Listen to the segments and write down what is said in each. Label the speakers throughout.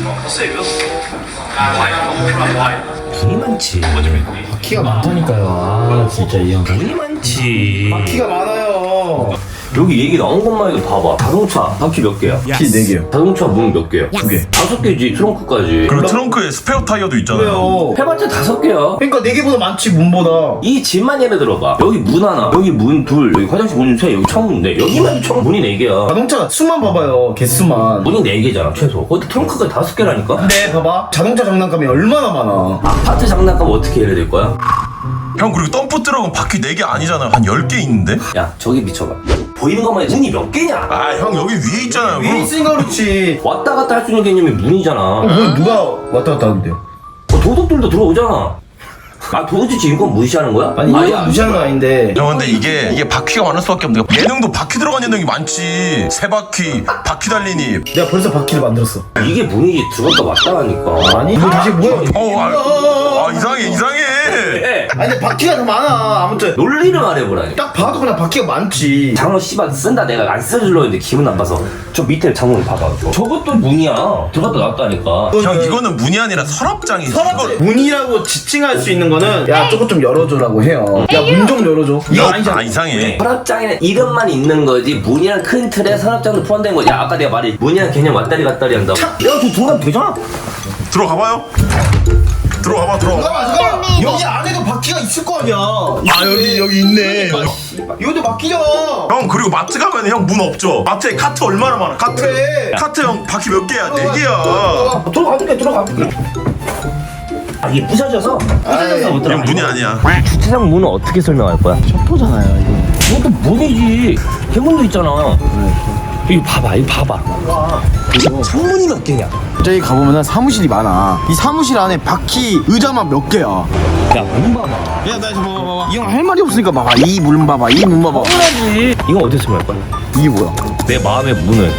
Speaker 1: 돈이 많지. 바퀴가 많다니까요. 아 진짜 이 형 돈이 많지.
Speaker 2: 바퀴가 많아요.
Speaker 1: 여기 얘기 나온 것만 해도 봐봐. 자동차 바퀴 몇 개야?
Speaker 2: 바퀴 4개요.
Speaker 1: 자동차 문 몇 개야?
Speaker 2: 2개.
Speaker 1: 5개지 트렁크까지.
Speaker 3: 그리고 트렁크에 스페어 타이어도 있잖아요.
Speaker 2: 왜요?
Speaker 1: 해봤자 5개야.
Speaker 2: 그러니까 4개보다 많지 문보다.
Speaker 1: 이 집만 예를 들어봐. 여기 문 하나, 여기 문 둘, 여기 화장실 문 세, 여기 창문 네. 여기만 문이 4개야.
Speaker 2: 자동차 수만 봐봐요. 개수만.
Speaker 1: 문이 4개잖아 최소. 거기 트렁크가 5개라니까.
Speaker 2: 근데 봐봐. 자동차 장난감이 얼마나 많아.
Speaker 1: 아파트 장난감 어떻게 예를 들 거야?
Speaker 3: 형 그리고 덤프 트럭은 바퀴 4개 아니잖아요. 한 10개 있는데?
Speaker 1: 야 저기 미쳐봐. 보이는 것만 해도 문이 몇 개냐?
Speaker 3: 아 형 여기 위에 있잖아요.
Speaker 2: 위에
Speaker 3: 그럼
Speaker 2: 있으니까 그렇지.
Speaker 1: 왔다 갔다 할 수 있는 개념이 문이잖아.
Speaker 2: 뭐 누가 왔다 갔다 하는데요?
Speaker 1: 도둑들도 들어오잖아. 아 도둑지 인권 무시하는 거야?
Speaker 2: 아니 이거 무시하는 건 아닌데.
Speaker 3: 형 근데 이게 바퀴가 많을 수밖에 없는 게 예능도 바퀴 들어간 예능이 많지. 세 바퀴, 바퀴 달리니.
Speaker 2: 내가 벌써 바퀴를 만들었어.
Speaker 1: 이게 문이지 들어갔다 왔다 가니까.
Speaker 2: 아니 이거 다시 뭐야?
Speaker 3: 이상해.
Speaker 2: 아니 근데 바퀴가 더 많아. 아무튼
Speaker 1: 논리를 말해보라니.
Speaker 2: 딱 봐도 그냥 바퀴가 많지.
Speaker 1: 장어 씨발 쓴다 내가 안 써주려 했는데 기분 나빠서 저 밑에 장문을 봐봐. 저것도 문이야. 들어갔다 나왔다니까.
Speaker 3: 형 이거는 문이 아니라 서랍장이지.
Speaker 2: 서랍 문이라고 지칭할 수 있는 거는 야 저것 좀 열어줘라고 해요. 야 문 좀 열어줘. 이거 아니잖아.
Speaker 3: 아 이상해.
Speaker 1: 서랍장에는 이름만 있는 거지 문이랑 큰 틀에 서랍장도 포함된 거지. 야 아까 내가 말이 문이랑 개념 왔다리 갔다리 한다고. 야저 중간 되잖아.
Speaker 3: 들어가봐요. 들어가봐.
Speaker 2: 잠깐만. 여기 안에도 바퀴가 있을 거 아니야.
Speaker 3: 아 여기 있네.
Speaker 2: 이것도 바퀴잖아.
Speaker 3: 형 그리고 마트 가면 형 문 없죠. 마트에 카트 얼마나 많아. 카트.
Speaker 2: 그래.
Speaker 3: 카트 형 바퀴 몇 개야? 4개야.
Speaker 1: 들어가볼게. 아 이게 부셔져서 못 들어가.
Speaker 3: 이건 문이 아니야.
Speaker 1: 주차장 문은 어떻게 설명할 거야?
Speaker 2: 셔터잖아요 이거.
Speaker 1: 이것도 문이지. 개문도 있잖아. 이거 봐봐. 창문이 몇 개냐?
Speaker 2: 저기 가보면은 사무실이 많아. 이 사무실 안에 바퀴 의자만 몇 개야.
Speaker 1: 야, 문 봐봐.
Speaker 2: 야, 나 저 봐봐. 이 형 할 말이 없으니까 봐봐. 이 문 봐봐. 이 문 봐봐.
Speaker 1: 당연하지. 이거 어디서 설명할 거야?
Speaker 2: 이게 뭐야?
Speaker 1: 내 마음의 문은.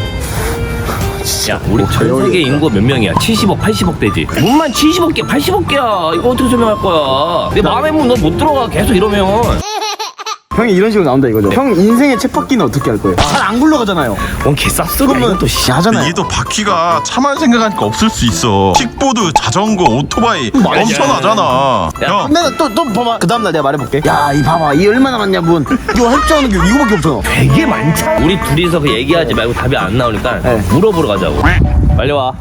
Speaker 1: 야, 우리 전 세계 인구 몇 명이야? 70억, 80억 되지. 문만 70억 개, 80억 개야. 이거 어떻게 설명할 거야? 내 마음의 문 너 못 들어가. 계속 이러면.
Speaker 2: 형이 이런 식으로 나온다 이거죠. 형 인생의 쳇바퀴는 어떻게 할 거예요? 잘 안 굴러가잖아요.
Speaker 1: 뭔 개쌉소리야. 또 씨.
Speaker 2: 하잖아요.
Speaker 3: 이게 또 바퀴가 차만 생각하니까 없을 수 있어. 킥보드, 자전거, 오토바이 엄청나잖아. 형
Speaker 2: 근데 또 봐봐. 그 다음날 내가 말해볼게. 야, 이 봐봐. 이 얼마나 많냐 문. 이거 할 줄 아는 게 이거밖에 없잖아.
Speaker 1: 되게 많잖아. 우리 둘이서 그 얘기하지 말고 답이 안 나오니까
Speaker 2: 네.
Speaker 1: 물어보러 가자고. 빨리 와.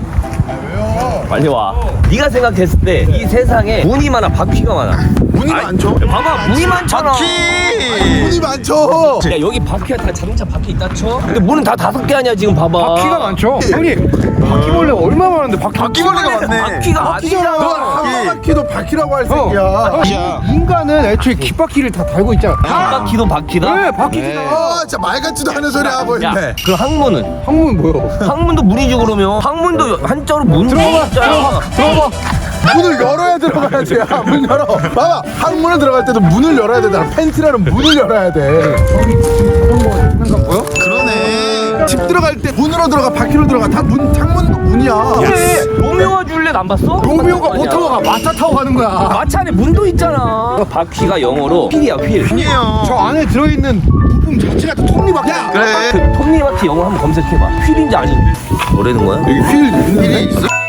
Speaker 1: 빨리 와. 네가 생각했을 때 이 세상에 문이 많아, 바퀴가 많아.
Speaker 2: 문이 많죠?
Speaker 1: 봐봐, 문이 많잖아.
Speaker 2: 문이 많죠.
Speaker 1: 야 여기 바퀴가 다 자동차 바퀴 있다 쳐. 근데 문은 다 5개 아니야 지금 봐봐.
Speaker 4: 바퀴가 많죠? 형님 바퀴벌레가 얼마나 많은데
Speaker 2: 바퀴벌레가 많네.
Speaker 1: 바퀴가 아니잖아.
Speaker 4: 한 바퀴도 바퀴라고 할 새끼야. 인간은 애초에 깃바퀴를 다 달고 있잖아.
Speaker 1: 한 바퀴도 바퀴다.
Speaker 4: 네 바퀴잖아.
Speaker 2: 진짜 말 같지도 않은 소리 하고
Speaker 1: 야, 그 항문은?
Speaker 4: 항문 뭐요?
Speaker 1: 항문도 문이지 그러면. 항문도 한자로 문.
Speaker 4: 들어봐. 문을 열어야 들어가야지. 야, 문 열어. 봐봐. 항문에 들어갈 때도 문을 열어야 되잖아. 팬티라는 문을 열어야 돼. 자동거 보여?
Speaker 2: 그러네.
Speaker 4: 집 들어갈 때 문으로 들어가 바퀴로 들어가 다 문 창문도 문이야.
Speaker 1: 그래. 로미오와 줄리엣 안 봤어?
Speaker 4: 로미오가 못 타고 가. 마차 타고 가는 거야.
Speaker 1: 마차 안에 문도 있잖아. 바퀴가 영어로 휠이야 휠.
Speaker 2: 아니에요.
Speaker 4: 저 안에 들어있는 부품 자체가 톱니바퀴야.
Speaker 2: 그래.
Speaker 1: 그 톱니바퀴 영어 한번 검색해봐. 휠인지 아닌지. 뭐라는 거야?
Speaker 4: 여기 휠 있는데?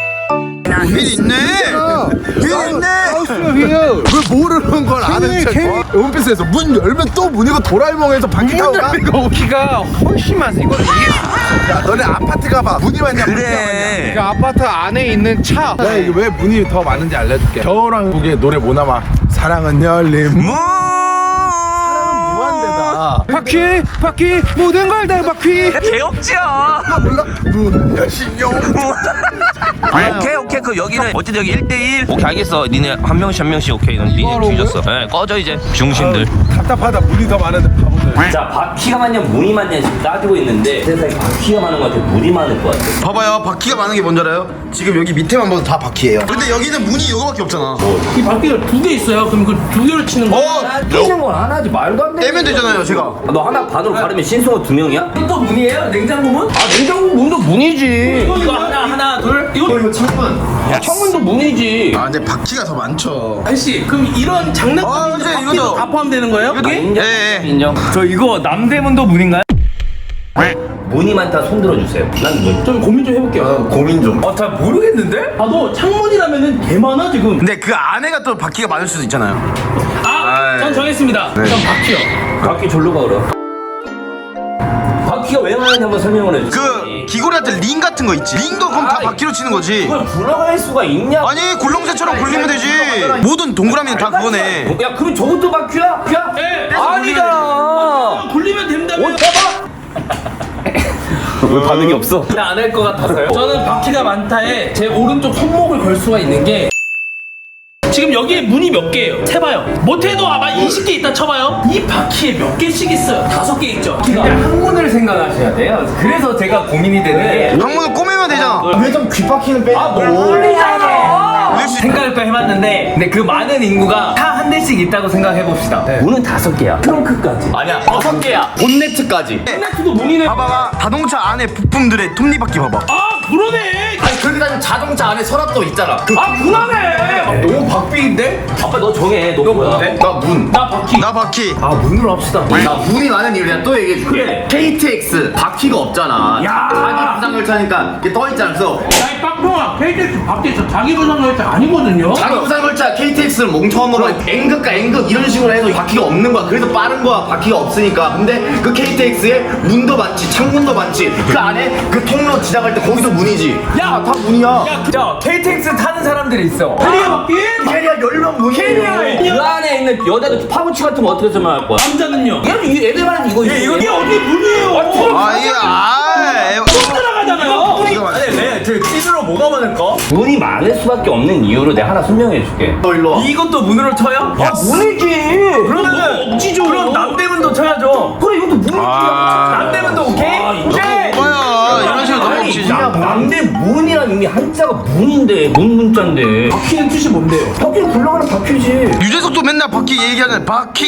Speaker 2: 휠 있네. 휠 있네.
Speaker 4: 휠.
Speaker 2: 왜 모르는 걸 아는 척? 원피스에서 문 열면 또 문이고 도라에몽에서 바퀴 타고 가.
Speaker 4: 바퀴가 훨씬 많아. 이거는 이게
Speaker 2: 야, 너네 아파트 가봐. 문이 많냐?
Speaker 1: 그래.
Speaker 4: 그 아파트 안에 있는 차.
Speaker 2: 내가 이게 왜 문이 더 많은지 알려줄게. 겨울왕국의 노래 뭐 남아? 사랑은 열린 문. 사랑은 무한대다.
Speaker 4: 바퀴 모든 걸 다 바퀴.
Speaker 1: 개업지야.
Speaker 2: 몰라? 문 여신용.
Speaker 1: 오케이 그 여기는 어쨌든 여기 1대1 오케이 알겠어. 니네 한 명씩 오케이. 넌 니네 뒤졌어. 네 꺼져 이제 중심들.
Speaker 2: 답답하다. 문이 더 많은데 바보들.
Speaker 1: 자 바퀴가 많냐 문이 많냐 지금 따지고 있는데 세상에 바퀴가 많은 것 같아 문이 많을 것 같아.
Speaker 2: 봐봐요. 바퀴가 많은 게 뭔지 알아요? 지금 여기 밑에만 봐도 다 바퀴예요. 근데 여기는 문이 이거밖에 없잖아.
Speaker 5: 이 바퀴가 2개 있어요. 그럼 그 2개를 치는 거.
Speaker 1: 뛰는 건 하나지 말도 안 돼.
Speaker 2: 떼면 되잖아요, 제가.
Speaker 1: 너 하나 반으로 가르면 신성호 2명이야?
Speaker 5: 또 문이에요? 냉장고문?
Speaker 1: 아 냉장고 문도 문이지.
Speaker 5: 이거 하나, 둘. 이거
Speaker 2: 창문.
Speaker 1: 창문도 문이지.
Speaker 2: 아, 근데 바퀴가 더 많죠.
Speaker 5: 아저씨, 그럼 이런 장난감
Speaker 2: 이제
Speaker 5: 바퀴도
Speaker 2: 이거죠.
Speaker 5: 다 포함되는 거예요?
Speaker 1: 인정.
Speaker 2: 예.
Speaker 1: 인정.
Speaker 5: 저 이거 남대문도 문인가요?
Speaker 1: 문이 많다 손 들어주세요. 난 문.
Speaker 5: 좀 고민 좀 해볼게요.
Speaker 2: 고민 좀.
Speaker 1: 잘 모르겠는데?
Speaker 5: 나도 창문이라면은 개 많아 지금.
Speaker 4: 근데 그 안에가 또 바퀴가 많을 수도 있잖아요.
Speaker 5: 전 정했습니다. 전 바퀴요.
Speaker 1: 바퀴 졸로 가 그럼. 바퀴가 왜 많은지 한번 설명을 해주세요.
Speaker 4: 그 귀고리한테 링 같은 거 있지. 링도 그럼 다
Speaker 1: 아이.
Speaker 4: 바퀴로 치는 거지.
Speaker 1: 그걸 굴러갈 수가 있냐?
Speaker 4: 아니 굴렁쇠처럼 굴리면 되지. 모든 동그라미는 다 그거네.
Speaker 1: 야 그럼 저것도 바퀴야?
Speaker 5: 네.
Speaker 1: 아니잖아.
Speaker 5: 굴리면 된다면.
Speaker 1: 왜 반응이 없어? 안 할 것 같아서요.
Speaker 5: 저는 바퀴가 많다에 제 오른쪽 손목을 걸 수가 있는 게 지금 여기에 문이 몇 개예요? 세봐요. 못해도 아마 20개 있다 쳐봐요. 이 바퀴에 몇 개씩 있어요? 5개 있죠.
Speaker 1: 그냥 항문을 생각하셔야 돼요. 그래서 제가 고민이 되는 게
Speaker 4: 방문을 꼬매면 되잖아.
Speaker 2: 왜 좀 귓바퀴는 빼?
Speaker 1: 모르잖아. 생각을 또 해봤는데 근데 그 많은 인구가 차 한 대씩 있다고 생각해봅시다. 문은 5개야. 트렁크까지. 아니야 6개야. 본네트까지.
Speaker 5: 콘네트도 문이네.
Speaker 4: 봐봐봐. 자동차 안에 부품들의 톱니바퀴 봐봐.
Speaker 5: 아 그러네.
Speaker 1: 아니 그렇게 따지면 자동차 안에 서랍도 있잖아. 아 그러네. 너무 박빙인데? 아빠 너 정해. 너 뭐야?
Speaker 2: 나 문.
Speaker 5: 나 바퀴.
Speaker 4: 나 바퀴.
Speaker 1: 아 문으로 합시다.
Speaker 6: 나 문이 많은 이유 내가 또 얘기해줄게.
Speaker 1: 그래.
Speaker 6: KTX 바퀴가 없잖아.
Speaker 5: 야.
Speaker 6: 자기 부상열차니까 이게 떠 있잖아. 그래서
Speaker 5: 야이 빡동아 KTX 바퀴에서 자기 부상열차 아니거든요.
Speaker 6: 자기 부상열차 KTX를 몽처음으로 N극과 N극 이런 식으로 해서 바퀴가 없는 거야. 그래서 빠른 거야. 바퀴가 없으니까. 근데 그 KTX에 문도 많지, 창문도 많지. 그 안에 그 통로 지나갈 때 거기도 문이지.
Speaker 1: 야,
Speaker 6: 다 문이야.
Speaker 1: 자 KTX 타는 사람들이 있어.
Speaker 5: 캐리어 바퀴.
Speaker 6: 캐리어 열명 문이에요.
Speaker 1: 그 안에 있는 여자들 파우치 같은 거 어떻게 설명할 거야?
Speaker 5: 남자는요.
Speaker 1: 얘는 이 애들 말은 이거
Speaker 5: 이게 어디 문이에요?
Speaker 4: 아 이게
Speaker 5: 들어가잖아요.
Speaker 1: 찌르러 뭐가 많을까? 문이 많을 수밖에 없는 이유를 내가 하나 설명해 줄게.
Speaker 6: 너 일로 와.
Speaker 1: 이것도 문으로 쳐요? 아 문이지. 그러면은
Speaker 5: 억지죠.
Speaker 1: 그럼 남대문도 쳐야죠. 그래 이것도 문이지. 남대문도 오케이. 오케이.
Speaker 4: 뭐야 이런 식으로 너무
Speaker 1: 아니
Speaker 4: 없이지.
Speaker 1: 남대문이란 이미 한자가 문인데 문자인데
Speaker 5: 바퀴는 뜻이 뭔데요?
Speaker 1: 바퀴는 굴러가는 바퀴지.
Speaker 4: 유재석도 맨날 바퀴 얘기하잖아. 바퀴.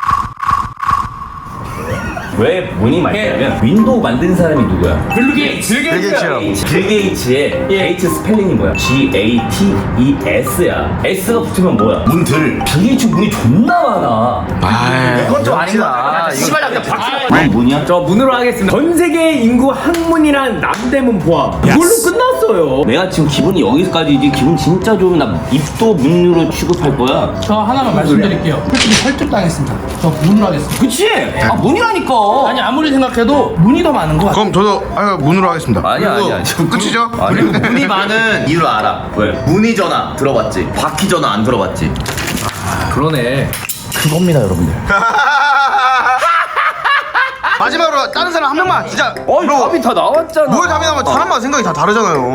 Speaker 1: 왜 문이 많냐면 윈도우 만든 사람이 누구야?
Speaker 5: 빌 게이츠.
Speaker 1: 빌 게이츠의 H 스펠링이 뭐야? G-A-T-E-S야. S가 붙으면 뭐야?
Speaker 6: 문들.
Speaker 1: 빌 게이츠 문이 존나 많아.
Speaker 6: 이건 좀 아닌 것 같아. 씨발 그냥 바퀴.
Speaker 1: 뭔 문이야? 저 문으로 하겠습니다. 전 세계 인구 항문이란 남대문 포함. 이걸로 끝났어요. 내가 지금 기분이 여기까지지. 기분 진짜 좋으면 나 입도 문으로 취급할 거야.
Speaker 5: 저 하나만 말씀드릴게요. 솔직히 설득당했습니다. 저 문으로 하겠습니다.
Speaker 1: 그치? 아 문이라니까.
Speaker 5: 아니 아무리 생각해도 문이 더 많은 거 같아.
Speaker 4: 그럼 저도 문으로 하겠습니다.
Speaker 1: 아니야,
Speaker 4: 그리고
Speaker 1: 아니야.
Speaker 4: 끝이죠?
Speaker 6: 그리고 문이 많은 이유를 알아.
Speaker 1: 왜?
Speaker 6: 문의 전화 들어봤지? 바퀴 전화 안 들어봤지?
Speaker 1: 그러네.
Speaker 4: 마지막으로 다른 사람 한 명만 진짜.
Speaker 1: 어이 답이 다 나왔잖아.
Speaker 4: 뭘 답이 나면 사람마다 생각이 다 다르잖아요.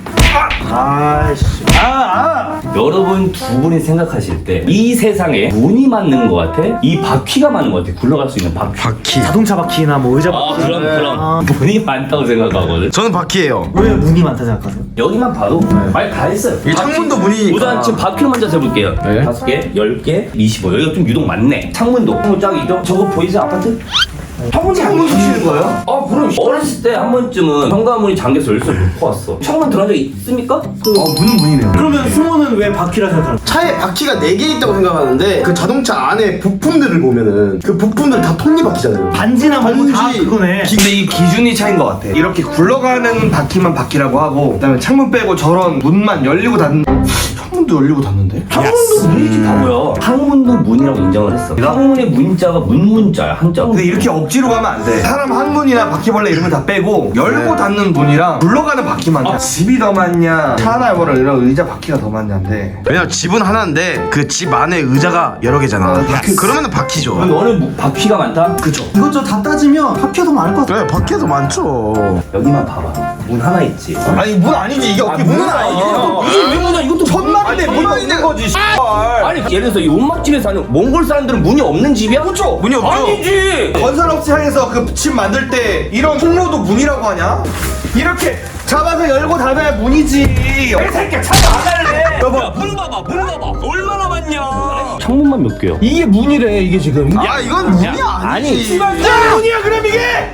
Speaker 1: 여러분 두 분이 생각하실 때 이 세상에 문이 맞는 것 같아? 이 바퀴가 맞는 것 같아? 굴러갈 수 있는 바퀴.
Speaker 7: 자동차 바퀴나 뭐 의자 바퀴.
Speaker 1: 그럼 문이 많다고 생각하거든.
Speaker 4: 저는 바퀴예요.
Speaker 7: 왜 문이 많다 생각하세요?
Speaker 1: 여기만 봐도 말 다 했어요.
Speaker 4: 이 창문도 문이니까.
Speaker 1: 우선 지금 바퀴를 먼저 세볼게요. 5개, 10개, 25. 여기가 좀 유독 많네. 창문도. 창문 짝이죠? 저거 보이세요? 아파트? 창문 붙이는 거예요? 아 그럼 어렸을 때 한 번쯤은 현관문이 잠겨서 열쇠를 놓고 왔어. 창문 들어간 적 있습니까?
Speaker 7: 문은 문이네요. 그러면 승호는 왜 바퀴라 생각하는?
Speaker 8: 차에 바퀴가 4개 있다고 생각하는데 그 자동차 안에 부품들을 보면은 그 부품들 다 톱니바퀴잖아요.
Speaker 7: 반지나 뭐 다 그거네.
Speaker 9: 근데 이 기준이 차이인 것 같아. 이렇게 굴러가는 바퀴만 바퀴라고 하고, 그다음에 창문 빼고 저런 문만 열리고 닫는. 창문도 열리고 닫는데?
Speaker 1: 창문도 문이지 바보야. 항문도 문이라고 인정을 했어. 항문의 문자가 문자야. 한자로.
Speaker 9: 근데 이렇게 억지로 가면 안 돼. 사람 항문이나 바퀴벌레 이런 거 다 빼고 열고 닫는 문이랑 굴러가는 바퀴만. 집이 더 많냐, 차나 뭐라 이런 의자 바퀴가 더 많냐인데.
Speaker 4: 왜냐면 집은 하나인데 그 집 안에 의자가 여러 개잖아. 그러면은 바퀴죠.
Speaker 1: 그럼 너는 바퀴가 많다? 그쵸.
Speaker 7: 이것저것 다 따지면 바퀴가 더 많을 것 같아.
Speaker 4: 그래 바퀴도 많죠.
Speaker 1: 여기만 봐봐. 문 하나 있지.
Speaker 9: 아니 문 아니지 이게 어떻게 문은 아니지.
Speaker 1: 이게 왜 문이야? 이것도
Speaker 9: 천막인데 문이 있는 거지.
Speaker 1: 아니 예를 들어서 이 온막집에 사는 몽골 사람들은 문이 없는 집이야? 그렇죠.
Speaker 4: 문이 없죠.
Speaker 1: 아니지.
Speaker 9: 건설업체 향해서 그 집 만들 때 이런 통로도 문이라고 하냐? 이렇게 잡아서 열고 닫아야 문이지. 이 새끼야 차 나갈래.
Speaker 1: 야, 문 봐봐. 얼마나 많냐. 창문만 몇 개요?
Speaker 4: 이게 문이래 이게 지금.
Speaker 9: 아 이건 문이 아니지. 문이야 그럼 이게?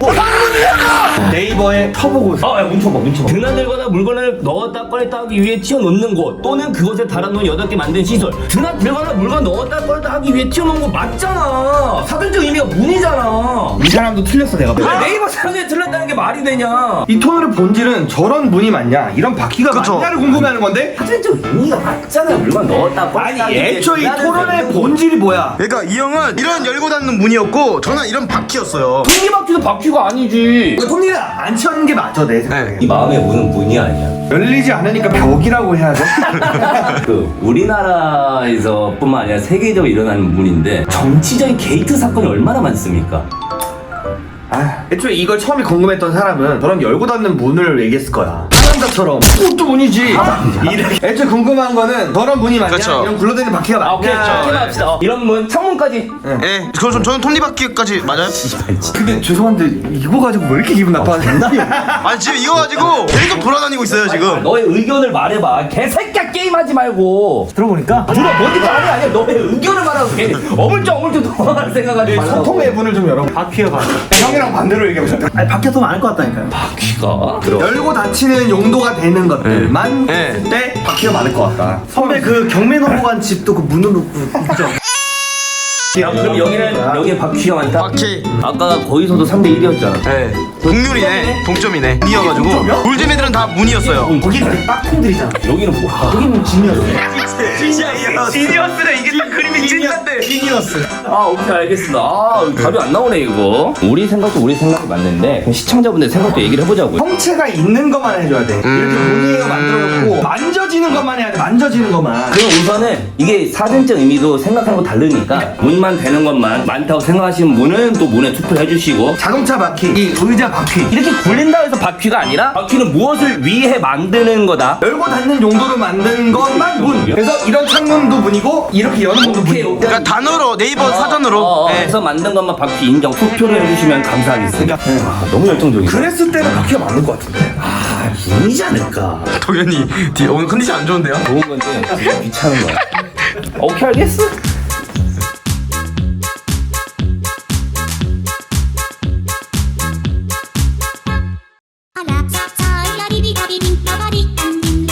Speaker 9: 네이버에 쳐보고 있어.
Speaker 1: 야, 뭉쳐봐. 드나들거나 물건을 넣었다 꺼냈다 하기 위해 튀어놓는 곳 또는 그것에 달아놓은 8개 만든 시설. 드나들거나 물건 넣었다 꺼냈다 하기 위해 튀어놓은 거 맞잖아. 사전적 의미가 문이잖아.
Speaker 9: 이 사람도 틀렸어 내가.
Speaker 1: 왜 네이버 사전에 틀렸다는 게 말이 되냐?
Speaker 9: 이 톤의 본질은 저런 문이 맞냐, 이런 바퀴가 맞냐를 궁금해하는 건데.
Speaker 1: 사전적 의미가 맞잖아. 물건 넣었다 꺼냈다 하기 위해
Speaker 9: 애초에 이
Speaker 1: 드나들거나
Speaker 9: 토론의 본질이 뭐야?
Speaker 6: 그러니까 이 형은 이런 열고 닫는 문이었고 저는 이런 바퀴였어요.
Speaker 1: 톱니바퀴도 바퀴가 아니지.
Speaker 9: 톱니를 안 치는 게 맞아 내 생각에.
Speaker 1: 이 마음의 문은 문이 아니야.
Speaker 9: 열리지 않으니까 벽이라고 해야죠.
Speaker 1: 그 우리나라에서 뿐만 아니라 세계적으로 일어나는 문인데 정치적인 게이트 사건이 얼마나 많습니까?
Speaker 9: 애초에 이걸 처음에 궁금했던 사람은 저런 열고 닫는 문을 얘기했을 거야. 상남자처럼 그것도 문이지. 이렇게. 애초에 궁금한 거는 저런 문이 맞냐,
Speaker 3: 그쵸.
Speaker 9: 이런 굴러다니는 바퀴가 맞냐.
Speaker 1: 오케이 합시다. 이런 문 창문까지.
Speaker 3: 예, 저는 톱니바퀴까지 맞아요?
Speaker 9: 근데 죄송한데 이거 가지고 왜 이렇게 기분 나빠하냐?
Speaker 3: 아니 지금 이거 가지고 계속 돌아다니고 있어요 지금.
Speaker 1: 너의 의견을 말해봐. 개새끼야 게임하지 말고.
Speaker 7: 들어보니까
Speaker 1: 들어 뭔지 말이 아니야. 너의 의견을 말하고 걔 어물쩍 도망갈 생각하지 말고.
Speaker 9: 소통의 문을 좀 열어.
Speaker 7: 바퀴가 많아.
Speaker 9: 형이랑 반대로 얘기해보자.
Speaker 7: 아니 바퀴가 더 많을 것 같다니까요.
Speaker 1: 바퀴가 들어.
Speaker 9: 열고 닫히는 용도가 되는 것들만
Speaker 3: 네.
Speaker 9: 했을 때 바퀴가 많을 것 같다.
Speaker 7: 선배 그 경매 넘어간 집도 그 문을 놓고 있죠.
Speaker 1: 그럼 여기는 바퀴가 많다.
Speaker 3: 바퀴.
Speaker 1: 아까 거기서도 3대 1이었잖아.
Speaker 3: 예. 동률이네. 동점이네. 문이어가지고. 돌잼애들은 다 문이었어요.
Speaker 7: 거기는 그 빡콩들이잖아.
Speaker 1: 여기는 뭐야?
Speaker 7: 여기는 진이었어.
Speaker 9: 지니어스래. 이게 딱 그림이 찐한데.
Speaker 1: 아 오케이 알겠습니다. 아 답이 안 나오네 이거. 우리 생각이 맞는데 그럼 시청자분들 생각도 얘기를 해보자고요.
Speaker 9: 형체가 있는 것만 해줘야 돼. 이렇게 문이가 만들어놓고 만져지는 것만 해야 돼. 만져지는 것만.
Speaker 1: 그럼 우선은 이게 사전적 의미도 생각하는 거 다르니까 문만 되는 것만 많다고 생각하시는 분은 또 문에 투표를 해주시고
Speaker 9: 자동차 바퀴, 이 의자 바퀴.
Speaker 1: 이렇게 굴린다 해서 바퀴가 아니라 바퀴는 무엇을 위해 만드는 거다.
Speaker 9: 열고 닫는 용도로 만든 것만 문. 그래서 이런 창문도 문이고 이렇게 여는 문도 문이고.
Speaker 3: 그러니까 단어로 네이버 사전으로. 예.
Speaker 1: 해서 만든 것만 바퀴 인정 투표를 해주시면 감사하겠습니다. 아, 너무 열정적이다.
Speaker 9: 그랬을 때는 바퀴가 많을 것 같은데.
Speaker 1: 문이지 않을까.
Speaker 3: 동현이 오늘 컨디션 안 좋은데요?
Speaker 1: 좋은 건데 귀찮은 거야. 오케이 알겠어.